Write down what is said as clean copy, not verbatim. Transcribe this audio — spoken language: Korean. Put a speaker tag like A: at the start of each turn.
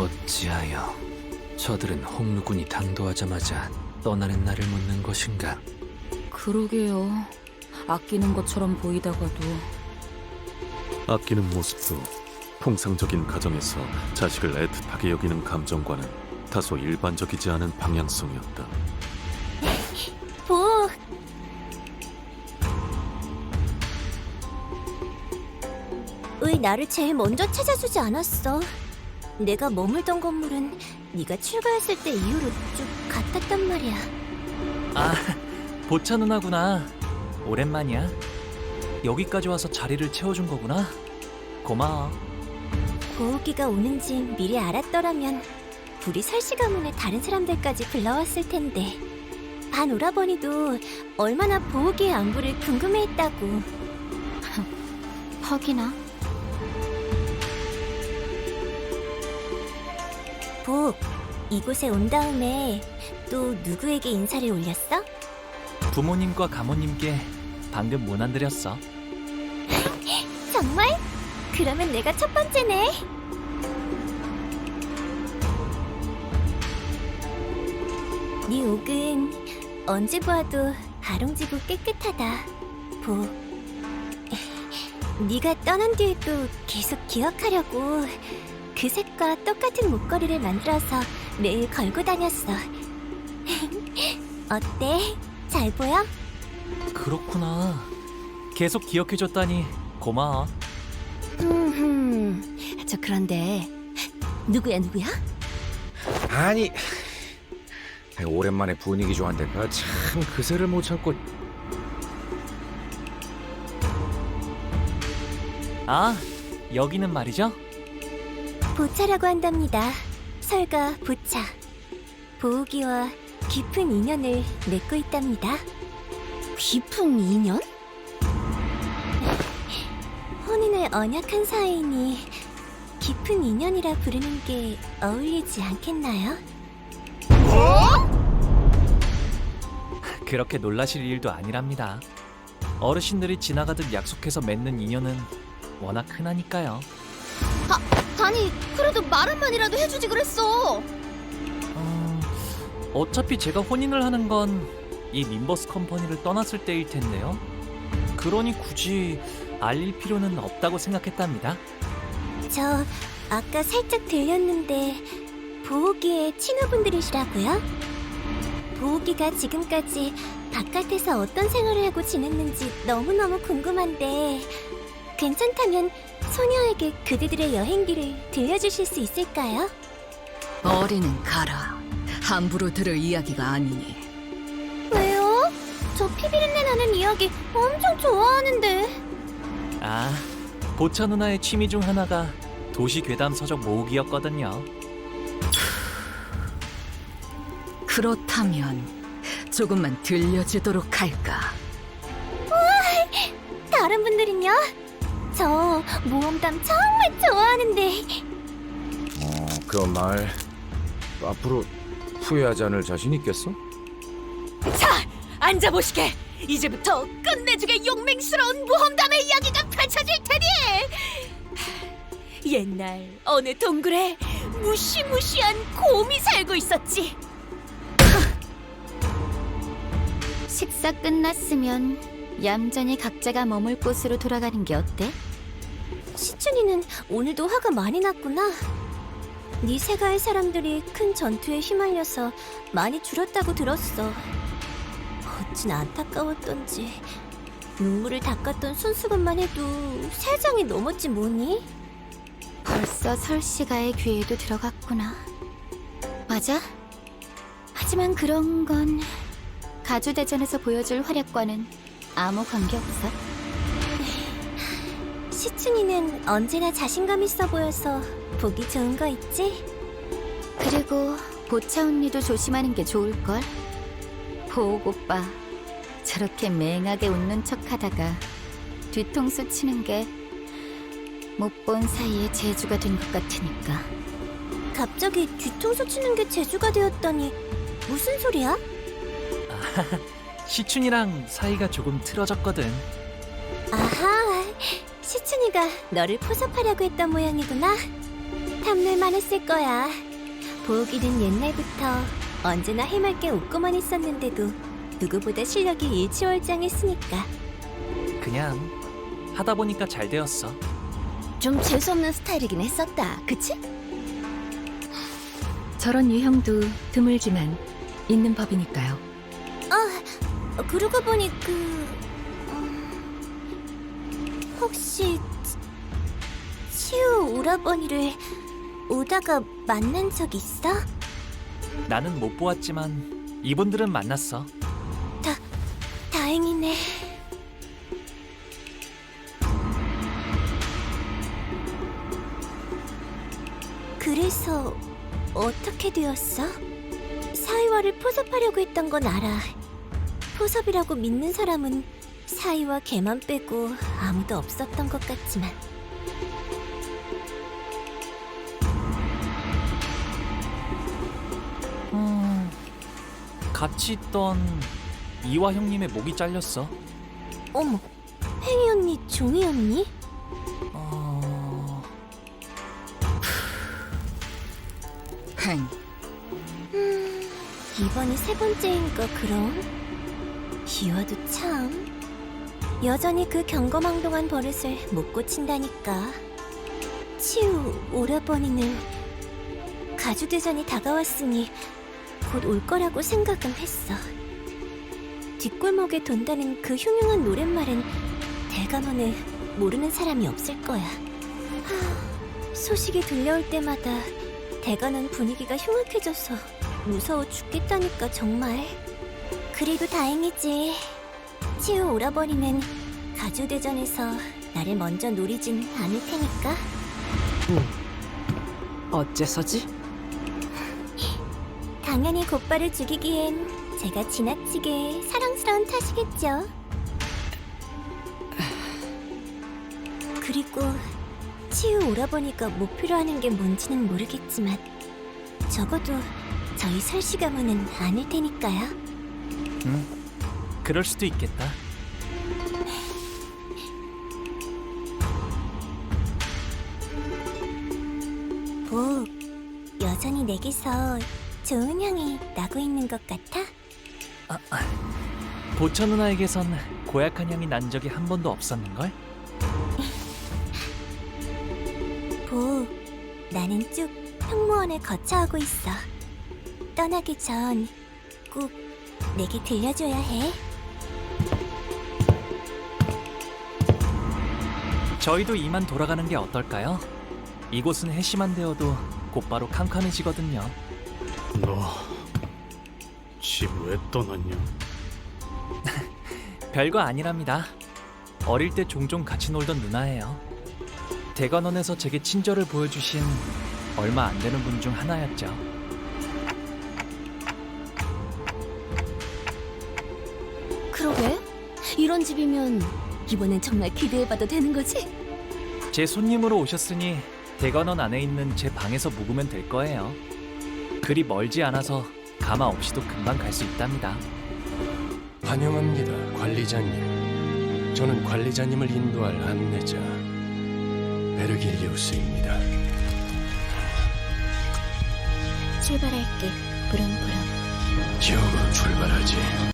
A: 어찌하여 저들은 홍루군이 당도하자마자 떠나는 날을 묻는 것인가?
B: 그러게요. 아끼는 것처럼 보이다가도.
C: 아끼는 모습도 통상적인 가정에서 자식을 애틋하게 여기는 감정과는 다소 일반적이지 않은 방향성이었다.
D: 보, 왜 나를 제일 먼저 찾아주지 않았어? 내가 머물던 건물은 네가 출가했을 때 이후로 쭉 같았단 말이야.
E: 아, 보차 누나구나. 오랜만이야. 여기까지 와서 자리를 채워준 거구나. 고마워.
D: 고우기가 오는지 미리 알았더라면 우리 설씨 가문의 다른 사람들까지 불러왔을 텐데. 반 오라버니도 얼마나 보우기의 안부를 궁금해했다고.
B: 하기나.
D: 보, 이곳에 온 다음에 또 누구에게 인사를 올렸어?
E: 부모님과 가모님께 방금 문안 드렸어.
D: 정말? 그러면 내가 첫 번째네. 네 옥은 언제 보아도 아롱지고 깨끗하다. 보, 네가 떠난 뒤에도 계속 기억하려고 그 색과 똑같은 목걸이를 만들어서 매일 걸고 다녔어. 어때? 잘 보여?
E: 그렇구나. 계속 기억해줬다니 고마워.
D: 저 그런데 누구야?
F: 아니, 오랜만에 분위기 좋아한데가 참 그새를 못 참고.
E: 아, 여기는 말이죠?
D: 보차라고 한답니다. 설가 보차. 보우기와 깊은 인연을 맺고 있답니다. 깊은 인연? 혼인을 언약한 사이니 깊은 인연이라 부르는 게 어울리지 않겠나요?
E: 그렇게 놀라실 일도 아니랍니다. 어르신들이 지나가듯 약속해서 맺는 인연은 워낙 흔하니까요.
D: 아니, 그래도 말 한마디라도 해주지 그랬어.
E: 어차피 제가 혼인을 하는 건 이 민버스 컴퍼니를 떠났을 때일 텐데요. 그러니 굳이 알릴 필요는 없다고 생각했답니다.
D: 저 아까 살짝 들렸는데 보우기의 친구분들이시라고요? 보우기가 지금까지 바깥에서 어떤 생활을 하고 지냈는지 너무너무 궁금한데 괜찮다면 소녀에게 그대들의 여행기를 들려주실 수 있을까요?
B: 어리는 가라. 함부로 들을 이야기가 아니니.
D: 왜요? 저 피비린내 나는 이야기 엄청 좋아하는데.
E: 아, 보차 누나의 취미 중 하나가 도시 괴담 서적 모으기였거든요.
B: 그렇다면 조금만 들려주도록 할까?
D: 다른 분들은요? 저 모험담 정말 좋아하는데.
F: 그 말 앞으로 후회하지 않을 자신 있겠어?
G: 자, 앉아보시게. 이제부터 끝내주게 용맹스러운 모험담의 이야기가 펼쳐질 테니 옛날 어느 동굴에 무시무시한 곰이 살고 있었지.
D: 식사 끝났으면 얌전히 각자가 머물 곳으로 돌아가는 게 어때? 시춘이는 오늘도 화가 많이 났구나. 네 세가의 사람들이 큰 전투에 휘말려서 많이 줄었다고 들었어. 어찌 안타까웠던지 눈물을 닦았던 손수건만 해도 3장이 넘었지 뭐니? 벌써 설씨가의 귀에도 들어갔구나. 맞아. 하지만 그런 건 가주대전에서 보여줄 활약과는 아무 관계없어. 시춘이는 언제나 자신감 있어 보여서 보기 좋은 거 있지? 그리고 보차 언니도 조심하는 게 좋을걸? 보옥 오빠 저렇게 맹하게 웃는 척하다가 뒤통수 치는 게 못 본 사이에 재주가 된 것 같으니까. 갑자기 뒤통수 치는 게 재주가 되었다니 무슨 소리야?
E: 시춘이랑 사이가 조금 틀어졌거든.
D: 아하, 시춘이가 너를 포섭하려고 했던 모양이구나. 탐낼 만했을 거야. 보기는 옛날부터 언제나 해맑게 웃고만 있었는데도 누구보다 실력이 일치월장했으니까.
E: 그냥 하다 보니까 잘 되었어.
D: 좀 재수없는 스타일이긴 했었다, 그치?
B: 저런 유형도 드물지만 있는 법이니까요.
D: 그러고 보니 혹시 치우 오라버니를 오다가 만난 적 있어?
E: 나는 못 보았지만 이분들은 만났어.
D: 다행이네. 그래서 어떻게 되었어? 사이와를 포섭하려고 했던 건 알아. 포섭이라고 믿는 사람은 사이와 걔만 빼고 아무도 없었던 것 같지만.
E: 같이 있던 이화 형님의 목이 잘렸어.
D: 어머, 팽이 언니, 종이 언니?
B: 팽,
D: 이번이 세 번째인가 그럼? 이화도 참 여전히 그 경거망동한 버릇을 못 고친다니까. 치우 오라버니는 가주대전이 다가왔으니 곧 올 거라고 생각은 했어. 뒷골목에 돈다는 그 흉흉한 노랫말은 대감원에 모르는 사람이 없을 거야. 소식이 들려올 때마다 대관원 분위기가 흉악해져서 무서워 죽겠다니까 정말. 그래도 다행이지. 치우 오라버니는 가주대전에서 나를 먼저 노리진 않을 테니까.
B: 어째서지?
D: 당연히 곧바를 죽이기엔 제가 지나치게 사랑스러운 탓이겠죠. 그리고 치우 오라버니가 목표로 하는 게 뭔지는 모르겠지만 적어도 저희 설씨 가문은 아닐 테니까요.
E: 그럴 수도 있겠다.
D: 복, 여전히 내게서 좋은 향이 나고 있는 것 같아?
E: 보처 누나에게선 고약한 향이 난 적이 한 번도 없었는걸?
D: 복, 나는 쭉 평무원을 거쳐하고 있어. 떠나기 전 꼭 내게 들려줘야 해.
E: 저희도 이만 돌아가는 게 어떨까요? 이곳은 해시만 되어도 곧바로 캄캄해지거든요.
H: 너 집 왜 떠났냐?
E: 별거 아니랍니다. 어릴 때 종종 같이 놀던 누나예요. 대관원에서 제게 친절을 보여주신 얼마 안 되는 분 중 하나였죠.
G: 그러게? 이런 집이면 이번엔 정말 기대해봐도 되는 거지?
E: 제 손님으로 오셨으니 대관원 안에 있는 제 방에서 묵으면 될 거예요. 그리 멀지 않아서 가마 없이도 금방 갈 수 있답니다.
H: 환영합니다, 관리자님. 저는 관리자님을 인도할 안내자 베르길리우스입니다.
D: 출발할게, 부릉부릉.
H: 지옥으로 출발하지.